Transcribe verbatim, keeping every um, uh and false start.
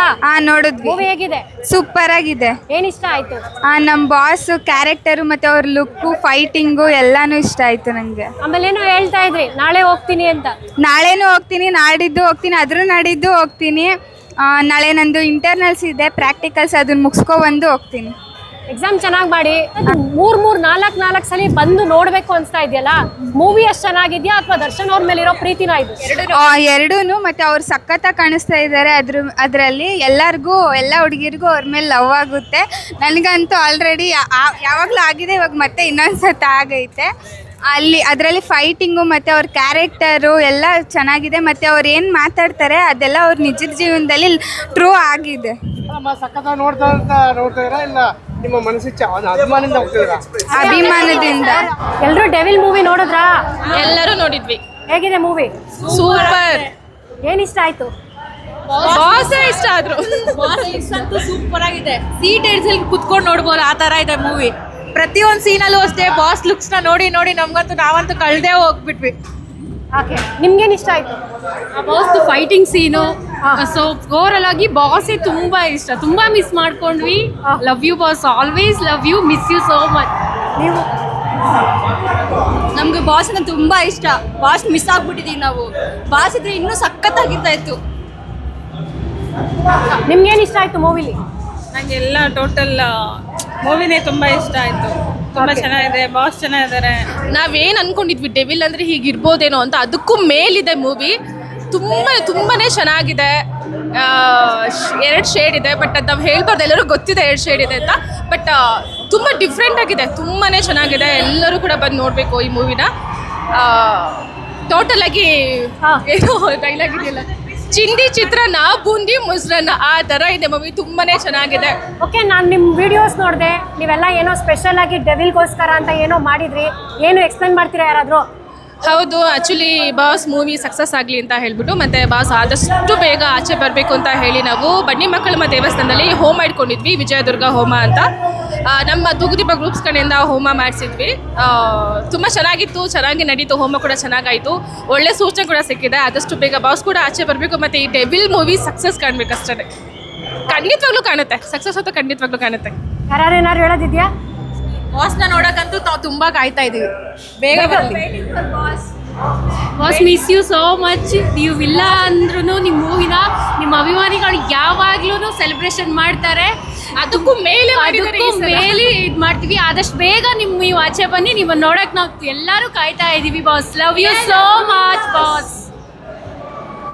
ಹಾ ನೋಡಿದ್ವಿ. ಮೂವಿ ಹೇಗಿದೆ? ಸೂಪರ್ ಆಗಿದೆ. ಏನ್ ಇಷ್ಟ ಆಯ್ತು? ಆ ನಮ್ ಬಾಸ್ ಕ್ಯಾರೆಕ್ಟರ್ ಮತ್ತೆ ಅವ್ರ ಲುಕ್ ಫೈಟಿಂಗು ಎಲ್ಲಾನು ಇಷ್ಟ ಆಯ್ತು ನಂಗೆ. ಆಮೇಲೆ ಏನೋ ಹೇಳ್ತಾ ಇದ್ರಿ ನಾಳೆ ಹೋಗ್ತೀನಿ ಅಂತ. ನಾಳೆನೂ ಹೋಗ್ತೀನಿ, ನಾಡಿದ್ದು ಹೋಗ್ತೀನಿ, ಅದ್ರ ನಾಡಿದ್ದು ಹೋಗ್ತೀನಿ. ನಾಳೆ ನಂದು ಇಂಟರ್ನಲ್ಸ್ ಇದೆ, ಪ್ರಾಕ್ಟಿಕಲ್ಸ್ ಅದನ್ನ ಮುಗಿಸ್ಕೊ ಬಂದು ಹೋಗ್ತೀನಿ. ಎಕ್ಸಾಮ್ ಚೆನ್ನಾಗಿ ಮಾಡಿ ಮೂರ್ ಮೂರ್ ನಾಲ್ಕು ನಾಲ್ಕು ಸಲ ಬಂದು ನೋಡ್ಬೇಕು ಅನ್ಸ್ತಾ ಇದೆಯಲ್ಲ, ಮೂವಿ ಅಷ್ಟು ಚೆನ್ನಾಗಿದ್ಯಾ ಅಥವಾ ದರ್ಶನ್ ಅವ್ರ ಮೇಲೆ ಇರೋ ಪ್ರೀತಿನ ಇದು? ಎರಡೂನು. ಮತ್ತೆ ಅವ್ರು ಸಖತ್ತಾಗಿ ಕಾಣಿಸ್ತಾ ಇದ್ದಾರೆ ಅದ್ರ ಅದರಲ್ಲಿ. ಎಲ್ಲರಿಗೂ ಎಲ್ಲ ಹುಡುಗಿರಿಗೂ ಅವ್ರ ಮೇಲೆ ಲವ್ ಆಗುತ್ತೆ. ನನಗಂತೂ ಆಲ್ರೆಡಿ ಯಾವಾಗಲೂ ಆಗಿದೆ, ಇವಾಗ ಮತ್ತೆ ಇನ್ನೊಂದ್ಸತಿ ಆಗೈತೆ. ಅಲ್ಲಿ ಅದರಲ್ಲಿ ಫೈಟಿಂಗು ಮತ್ತು ಅವ್ರ ಕ್ಯಾರೆಕ್ಟರು ಎಲ್ಲ ಚೆನ್ನಾಗಿದೆ. ಮತ್ತು ಅವ್ರು ಏನು ಮಾತಾಡ್ತಾರೆ ಅದೆಲ್ಲ ಅವ್ರ ನಿಜದ ಜೀವನದಲ್ಲಿ ಟ್ರೂ ಆಗಿದೆ. ನಿಮ್ಮ ಮನಸ್ಸಿಗೆ ಅಭಿಮಾನದಿಂದ ಹೋಗ್ತಿದ್ದೀರಾ? ಅಭಿಮಾನದಿಂದ. ಎಲ್ಲರೂ ಡೆವಿಲ್ ಮೂವಿ ನೋಡಿದ್ರಾ? ಎಲ್ಲರೂ ನೋಡಿದ್ವಿ. ಹೇಗಿದೆ ಮೂವಿ? ಸೂಪರ್. ಏನ್ ಇಷ್ಟ ಆಯ್ತು? ಬಾಸ್ ಇಷ್ಟ ಆದ್ರು. ಬಾಸ್ ಅಂತೂ ಸೂಪರ್ ಆಗಿದೆ. ಸೀಟ್ ಹಿಡ್ಸಲ್ಲಿ ಕುತ್ಕೊಂಡು ನೋಡ್ಬೋದು, ಆ ತರ ಇದೆ ಮೂವಿ. ಪ್ರತಿಯೊಂದು ಸೀನಲ್ಲೂ ಅಷ್ಟೇ ಬಾಸ್ ಲುಕ್ಸ್ ನ ನೋಡಿ ನೋಡಿ ನಮ್ಗಂತೂ ನಾವಂತೂ ಕಳ್ದೇ ಹೋಗ್ಬಿಟ್ವಿ. ಓಕೆ, ನಿಮ್ಗೇನ್ ಇಷ್ಟ ಆಯ್ತು? Boss fighting scene, so overall ಆಗಿ ಬಾಸೇ ತುಂಬಾ ಇಷ್ಟ. ತುಂಬಾ ಮಿಸ್ ಮಾಡ್ಕೊಂಡ್ವಿ. Love you boss, always love you, miss you so much. ನೀವು? ನಮ್ಗೆ ಬಾಸ್ ಅಂದ್ರೆ ತುಂಬಾ ಇಷ್ಟ. ಬಾಸ್ ಮಿಸ್ ಆಗ್ಬಿಟ್ಟಿದೀವಿ ನಾವು. ಬಾಸ್ ಇದ್ರೆ ಇನ್ನೂ ಸಖತ್ತಾಗಿರ್ತಾ ಇತ್ತು. ನಿಮ್ಗೇನ್ ಇಷ್ಟ ಆಯ್ತು ಮೂವಿಲಿ? ನಂಗೆಲ್ಲ ಟೋಟಲ್ ಮೂವಿನೇ ತುಂಬಾ ಇಷ್ಟ ಆಯ್ತು. ತುಂಬಾ ಚೆನ್ನಾಗಿದೆ, ಬಾಸ್ ಚೆನ್ನಾಗಿದ್ದಾರೆ. ನಾವೇನು ಅನ್ಕೊಂಡಿದ್ವಿ ಡೆವಿಲ್ ಅಂದ್ರೆ ಹೀಗಿರ್ಬೋದೇನೋ ಅಂತ, ಅದಕ್ಕೂ ಮೇಲಿದೆ ಮೂವಿ. ತುಂಬ ತುಂಬಾನೇ ಚೆನ್ನಾಗಿದೆ. ಎರಡು ಶೇಡ್ ಇದೆ, ಬಟ್ ಅದು ನಾವು ಹೇಳ್ಬಾರ್ದು, ಎಲ್ಲರೂ ಗೊತ್ತಿದೆ ಎರಡು ಶೇಡ್ ಇದೆ ಅಂತ. ಬಟ್ ತುಂಬ ಡಿಫ್ರೆಂಟ್ ಆಗಿದೆ, ತುಂಬಾ ಚೆನ್ನಾಗಿದೆ. ಎಲ್ಲರೂ ಕೂಡ ಬಂದು ನೋಡಬೇಕು ಈ ಮೂವಿನ. ಟೋಟಲ್ ಆಗಿ ಏನೋ ಡೈಲಾಗ್ ಇದೆಯಲ್ಲ, ಚಿಂದಿ ಚಿತ್ರಾನ್ನ, ಬೂಂದಿ ಮೊಸರನ್ನ, ಆ ಥರ ಇದೆ ಮೂವಿ. ತುಂಬಾನೇ ಚೆನ್ನಾಗಿದೆ. ಓಕೆ, ನಾನು ನಿಮ್ಮ ವಿಡಿಯೋಸ್ ನೋಡಿದೆ. ನೀವೆಲ್ಲ ಏನೋ ಸ್ಪೆಷಲ್ ಆಗಿ ಡೆವಿಲ್ಗೋಸ್ಕರ ಅಂತ ಏನೋ ಮಾಡಿದ್ರಿ. ಏನು ಎಕ್ಸ್ಪ್ಲೇನ್ ಮಾಡ್ತೀರಾ ಯಾರಾದರೂ? ಹೌದು, ಆ್ಯಕ್ಚುಲಿ ಬಾಸ್ ಮೂವಿ ಸಕ್ಸಸ್ ಆಗಲಿ ಅಂತ ಹೇಳ್ಬಿಟ್ಟು, ಮತ್ತು ಬಾಸ್ ಆದಷ್ಟು ಬೇಗ ಆಚೆ ಬರಬೇಕು ಅಂತ ಹೇಳಿ ನಾವು ಬನ್ನಿ ಮಕ್ಕಳಮ್ಮ ದೇವಸ್ಥಾನದಲ್ಲಿ ಹೋಮ ಇಟ್ಕೊಂಡಿದ್ವಿ, ವಿಜಯದುರ್ಗ ಹೋಮ ಅಂತ. ನಮ್ಮ ತುಗುದೀಪ ಗ್ರೂಪ್ಸ್ ಕಡೆಯಿಂದ ಹೋಮ ಮಾಡಿಸಿದ್ವಿ. ತುಂಬ ಚೆನ್ನಾಗಿತ್ತು, ಚೆನ್ನಾಗಿ ನಡೀತು. ಹೋಮ ಕೂಡ ಚೆನ್ನಾಗಾಯಿತು. ಒಳ್ಳೆ ಸೂಚನೆ ಕೂಡ ಸಿಕ್ಕಿದೆ. ಆದಷ್ಟು ಬೇಗ ಬಾಸ್ ಕೂಡ ಆಚೆ ಬರಬೇಕು, ಮತ್ತು ಈ ಡೆವಿಲ್ ಮೂವಿ ಸಕ್ಸಸ್ ಕಾಣಬೇಕಷ್ಟೇ. ಖಂಡಿತವಾಗ್ಲೂ ಕಾಣುತ್ತೆ, ಸಕ್ಸಸ್ ಅಂತೂ ಖಂಡಿತವಾಗ್ಲೂ ಕಾಣುತ್ತೆ. ಯಾರು ಏನಾದ್ರು ಹೇಳೋದಿದೆಯಾ? ಬಾಸ್ನ ನೋಡೋಕ್ಕಂತೂ ನಾವು ತುಂಬ ಕಾಯ್ತಾ ಇದ್ದೀವಿ, ಬೇಗ ಬರಲಿ. Boss miss you so much. ನೀವು ಇಲ್ಲ ಅಂದ್ರೂ ನಿಮ್ಮ ಮೂವಿನ ನಿಮ್ಮ ಅಭಿಮಾನಿಗಳು ಯಾವಾಗ್ಲೂ ಸೆಲೆಬ್ರೇಷನ್ ಮಾಡ್ತಾರೆ. ಅದಕ್ಕೂ ಮೇಲೆ ಅದಕ್ಕೂ ಮೇಲೆ ಇದು ಮಾಡ್ತೀವಿ. ಆದಷ್ಟು ಬೇಗ ನಿಮ್ಮ ನೀವು ಆಚೆ ಬನ್ನಿ. ನಿಮ್ಮನ್ನು ನೋಡಕ್ ನಾವು ಎಲ್ಲರೂ ಕಾಯ್ತಾ ಇದ್ದೀವಿ boss. Love you so much boss.